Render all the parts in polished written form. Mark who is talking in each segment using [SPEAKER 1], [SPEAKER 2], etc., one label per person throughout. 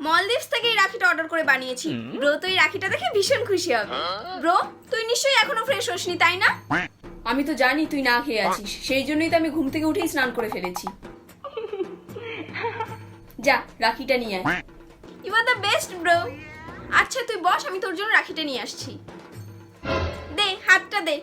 [SPEAKER 1] মলদ্বীপস থেকে এই রাখিটা অর্ডার করে বানিয়েছি। ব্রো তো এই রাখিটা দেখে ভীষণ খুশি হবে। ব্রো, তুই নিশ্চয়ই এখনো ফ্রেশ হসনি, তাই না?
[SPEAKER 2] আমি তো জানি তুই না খেয়ে আছিস, সেই জন্যই তো আমি ঘুম থেকে উঠেই স্নান করে ফেলেছি। যা রাখিটা নিয়ে আয়।
[SPEAKER 1] You are the best bro. আচ্ছা তুই বস, আমি তোর জন্য রাখিটা নিয়ে আসছি। দে হাতটা দে।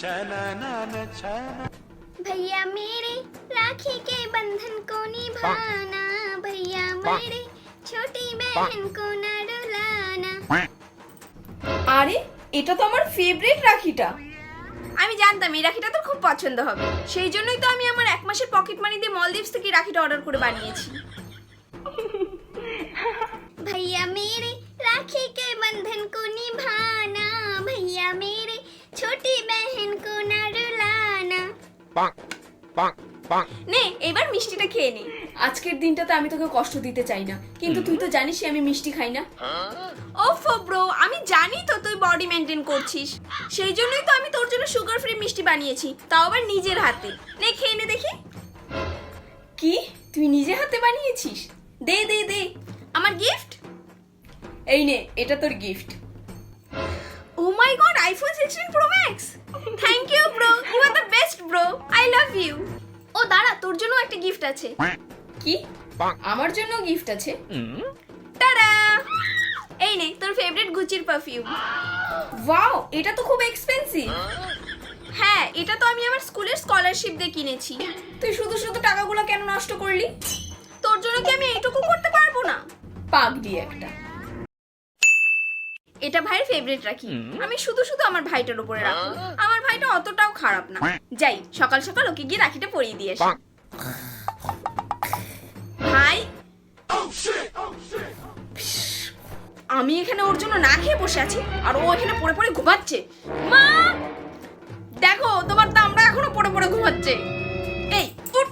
[SPEAKER 3] भैया मेरे राखी के बंधन को निभाना, भैया मेरे छोटी बहन को न रुलाना।
[SPEAKER 2] আরে এটা তো আমার ফেভারিট রাখিটা।
[SPEAKER 1] আমি জানতাম এই রাখিটা তোর খুব পছন্দ হবে, সেই জন্যই তো আমি আমার 1 মাসের পকেট মানি দিয়ে মলদ্বীপস থেকে রাখিটা অর্ডার করে বানিয়েছি।
[SPEAKER 3] भैया मेरे राखी के बंधन को निभाना, भैया मेरे छोटी बहन को न रुलाना।
[SPEAKER 1] নে এবার মিষ্টিটা খেয়ে নে।
[SPEAKER 2] আজকের দিনটাতে আমি তোকে কষ্ট দিতে চাই না, কিন্তু তুই তো জানিসই আমি মিষ্টি খাই না।
[SPEAKER 1] ওফো ব্রো, আমি জানি তো তুই বডি মেনটেন করছিস, সেই জন্যই তো আমি তোর জন্য সুগার ফ্রি মিষ্টি বানিয়েছি, তাও আবার নিজের হাতে। নে খেয়ে নে দেখি।
[SPEAKER 2] কি তুই নিজে হাতে বানিয়েছিস? দে দে দে।
[SPEAKER 1] আমার গিফট।
[SPEAKER 2] এই নে, এটা তোর gift.
[SPEAKER 1] Oh my God, iPhone 16 pro max. Thank you bro, you are the best bro, I love you. ও দাঁড়া, তোর জন্য একটা গিফট আছে।
[SPEAKER 2] কি আমার জন্য গিফট আছে?
[SPEAKER 1] টাডা, এই নে তোর ফেভারিট গুচির পারফিউম।
[SPEAKER 2] ওয়াও, এটা তো খুব এক্সপেন্সিভ।
[SPEAKER 1] হ্যাঁ, এটা তো আমি আমার স্কুলের স্কলারশিপ দিয়ে কিনেছি।
[SPEAKER 2] তুই শুধু শুধু টাকাগুলো কেন নষ্ট করলি?
[SPEAKER 1] তোর জন্য কি আমি এইটুকু করতে পারবো না?
[SPEAKER 2] পাগলি একটা।
[SPEAKER 1] এটা ভাইয়ের ফেভারিট রাখি, আমি শুধু শুধু আমার ভাইটার উপরে রাখবো। আমার ভাইটা অতটাও খারাপ না। যাই সকাল সকাল ওকে গিয়ে রাখিটা পরিয়ে দিয়ে আসি। ভাই, আমি এখানে ওর জন্য না খেয়ে বসে আছি আর ও এখানে পড়ে পড়ে ঘুমাচ্ছে। মা দেখো, তোমার দামটা এখনো পড়ে পড়ে ঘুমাচ্ছে। এই উঠ।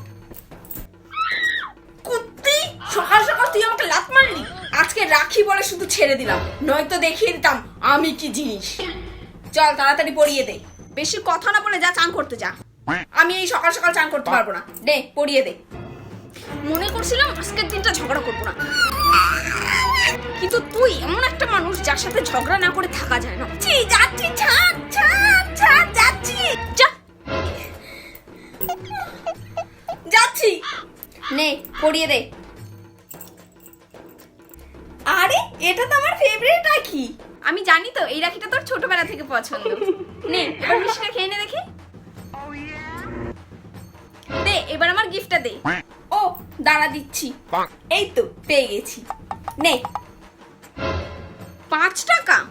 [SPEAKER 2] কুত্তি, সকাল সকাল তুই আমাকে লাত মারলি। আজকে রাখি বলে শুধু ছেড়ে দিলাম, নয়তো দেখিয়ে দিতাম আমি কি জিনিস। চল তাড়াতাড়ি পরিয়ে দে।
[SPEAKER 1] বেশি কথা না বলে যা চান করতে যা।
[SPEAKER 2] আমি এই সকাল সকাল চান করতে পারবো না, দে পরিয়ে দে।
[SPEAKER 1] মনে করছিলাম আজকের দিনটা ঝগড়া করবো না, কিন্তু তুই এমন একটা মানুষ যার সাথে ঝগড়া না করে থাকা যায় না। যাচ্ছি, ছাড় ছাড় ছাড়, যাচ্ছি, যা
[SPEAKER 2] যাচ্ছি। নে পরিয়ে দে। আরে এটা তো আমার ফেভারিট রাখি।
[SPEAKER 1] আমি জানি তো এই রাখিটা তোর ছোটবেলা থেকে পছন্দ। নে এবার মিষ্টিটা খেয়ে নে দেখি। দে এবার আমার গিফটটা দে।
[SPEAKER 2] ও দাঁড়া দিচ্ছি। এই তো পেয়ে গেছি, নে।
[SPEAKER 1] 5 টাকা?